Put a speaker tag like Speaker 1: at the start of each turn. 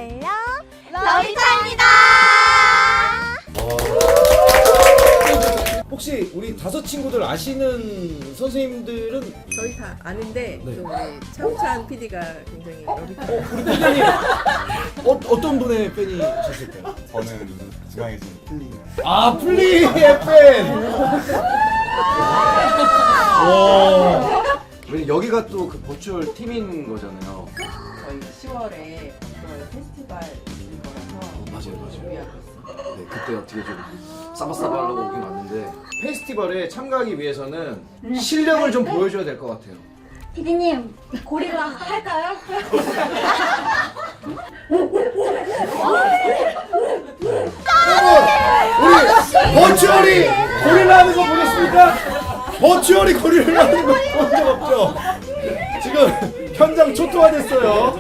Speaker 1: 달려 러비타입니다.
Speaker 2: 혹시 우리 다섯 친구들 아시는 선생님들은
Speaker 3: 저희 다 아는데
Speaker 2: 네.
Speaker 3: 또 우리 차우찬 PD가 굉장히 러비타.
Speaker 2: 우리 PD님 어떤 분의 팬이셨을까요?
Speaker 4: 저는 중앙에 있는 플리.
Speaker 2: 아 플리의 팬. 와.
Speaker 5: 왜냐면 여기가 또 그 버추얼 팀인 거잖아요.
Speaker 3: 저희 10월에 그런 페스티벌인 거라서
Speaker 5: 맞아요.
Speaker 3: 준비하고 있어요.
Speaker 5: 네, 그때 어떻게 좀 싸바싸바 하려고 오긴 왔는데 페스티벌에 참가하기 위해서는 실력을 좀 보여줘야 될 것 같아요.
Speaker 1: 피디님 고릴라 할까요?
Speaker 2: 우리 버추얼이 고릴라 하는 거 보셨습니까? 버추얼이 고릴라 하는 거 본 적 없죠? 지금 현장 초토화됐어요.